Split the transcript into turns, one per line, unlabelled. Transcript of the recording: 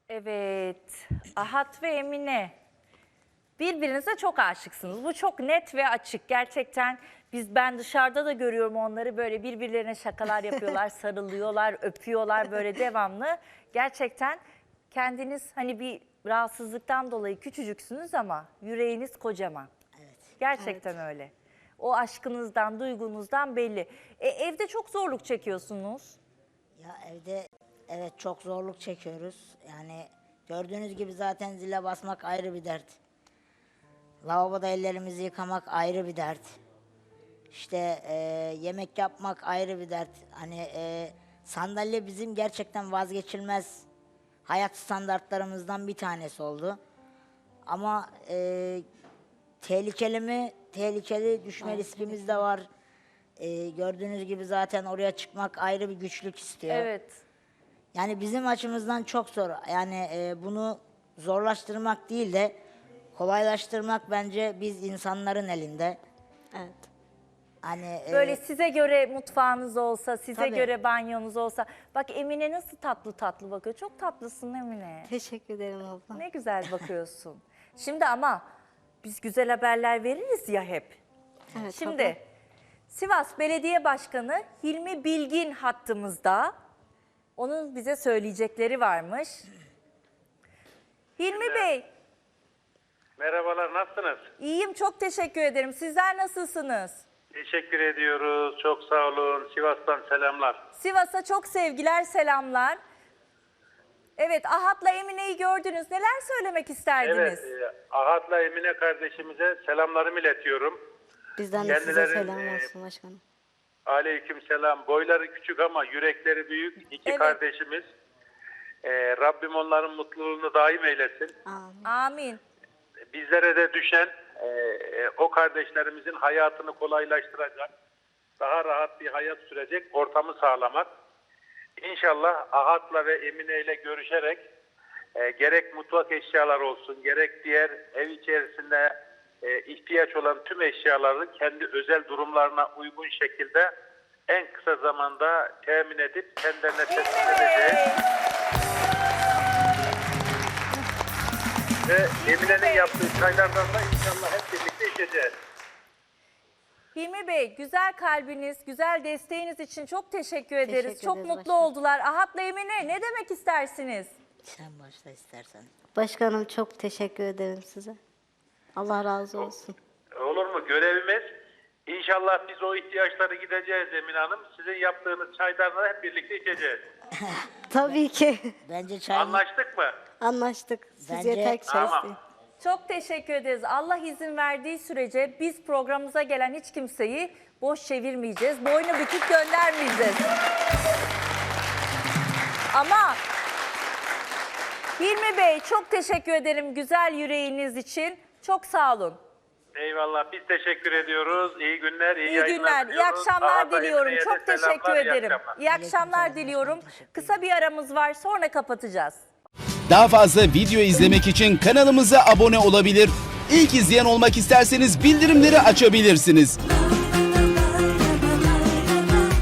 Evet, Ahat ve Emine. Birbirinize çok aşıksınız. Bu çok net ve açık. Gerçekten ben dışarıda da görüyorum onları böyle birbirlerine şakalar yapıyorlar, sarılıyorlar, öpüyorlar böyle devamlı. Gerçekten kendiniz hani bir rahatsızlıktan dolayı küçücüksünüz ama yüreğiniz kocaman.
Evet.
Gerçekten öyle. O aşkınızdan, duygunuzdan belli. Evde çok zorluk çekiyorsunuz.
Ya evde evet çok zorluk çekiyoruz. Yani gördüğünüz gibi zaten zile basmak ayrı bir dert. Lavaboda ellerimizi yıkamak ayrı bir dert. İşte yemek yapmak ayrı bir dert. Hani sandalye bizim gerçekten vazgeçilmez hayat standartlarımızdan bir tanesi oldu. Ama tehlikeli mi? Tehlikeli, düşme riskimiz de var. Gördüğünüz gibi zaten oraya çıkmak ayrı bir güçlük istiyor.
Evet.
Yani bizim açımızdan çok zor. Yani bunu zorlaştırmak değil de kolaylaştırmak bence biz insanların elinde.
Evet.
Hani
Böyle size göre mutfağınız olsa, size
Tabii.
göre banyonuz olsa. Bak Emine nasıl tatlı tatlı bakıyor. Çok tatlısın Emine.
Teşekkür ederim abla.
Ne güzel bakıyorsun. Şimdi ama biz güzel haberler veririz ya hep.
Evet,
Şimdi
abla.
Sivas Belediye Başkanı Hilmi Bilgin hattımızda. Onun bize söyleyecekleri varmış. Hilmi Bey,
Merhabalar, nasılsınız?
iyiyim, çok teşekkür ederim. Sizler nasılsınız?
Teşekkür ediyoruz, çok sağ olun. Sivas'tan selamlar.
Sivas'a çok sevgiler, selamlar. Evet, Ahat'la Emine'yi gördünüz. Neler söylemek isterdiniz?
Evet, Ahat'la Emine kardeşimize selamlarımı iletiyorum.
Bizden de size
Kendileri,
selam olsun başkanım.
Aleyküm selam. Boyları küçük ama yürekleri büyük. İki
Evet.
kardeşimiz. Rabbim onların mutluluğunu daim eylesin.
Amin.
Amin.
Bizlere de düşen o kardeşlerimizin hayatını kolaylaştıracak, daha rahat bir hayat sürecek ortamı sağlamak. İnşallah Ahat'la ve Emine ile görüşerek gerek mutfak eşyaları olsun, gerek diğer ev içerisinde ihtiyaç olan tüm eşyaları kendi özel durumlarına uygun şekilde en kısa zamanda temin edip kendilerine teslim edeceğiz. Ve Emine'nin yaptığı çaylardan da inşallah hep birlikte içeceğiz.
Hilmi Bey, güzel kalbiniz, güzel desteğiniz için çok teşekkür ederiz.
Teşekkür
Çok
ederiz
mutlu
başkanım.
oldular. Ahat'la Emine ne demek istersiniz?
sen başla istersen.
Başkanım çok teşekkür ederim size. Allah razı olsun.
Olur mu? Görevimiz. İnşallah biz o ihtiyaçları gideceğiz Emine Hanım. Sizin yaptığınız çaylarla hep birlikte içeceğiz.
Tabii ki.
Bence çay
Anlaştık mı?
Anlaştık. Siz
Bence-
yeter ki çay
Tamam.
isteyin.
Çok teşekkür ederiz. Allah izin verdiği sürece biz programımıza gelen hiç kimseyi boş çevirmeyeceğiz. Boynu bükük göndermeyeceğiz. Ama Hilmi Bey çok teşekkür ederim güzel yüreğiniz için. Çok sağ olun.
Eyvallah. Biz teşekkür ediyoruz. İyi günler, iyi
İyi
yayınlar
günler, iyi
diliyoruz.
akşamlar
Ahat'a,
diliyorum.
Emine'ye de
Çok teşekkür
selamlar, iyi
ederim.
akşamlar.
İyi akşamlar
Aleykümselam,
diliyorum.
başkanım, teşekkür
Kısa bir aramız var, sonra kapatacağız.
Daha fazla video izlemek için kanalımıza abone olabilir. İlk izleyen olmak isterseniz bildirimleri açabilirsiniz.